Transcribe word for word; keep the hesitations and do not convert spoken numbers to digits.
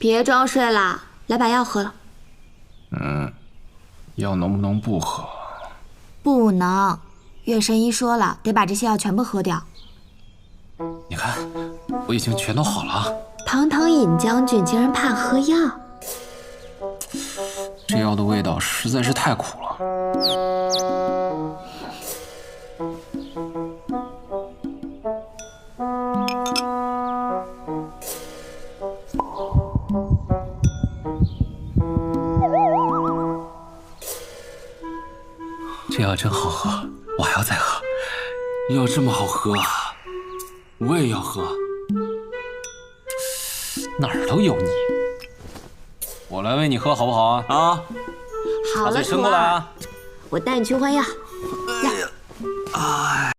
别装睡了，来把药喝了。 嗯，药能不能不喝？ 不能，月神医说了，得把这些药全部喝掉。 你看，我已经全都好了。 堂堂尹将军竟然怕喝药， 这药的味道实在是太苦了。这药真好喝，我还要再喝。药这么好喝啊，我也要喝。哪儿都有你，我来喂你喝好不好啊？啊， 好了， 把嘴伸过来啊！ 我带你去换药。呀， 哎。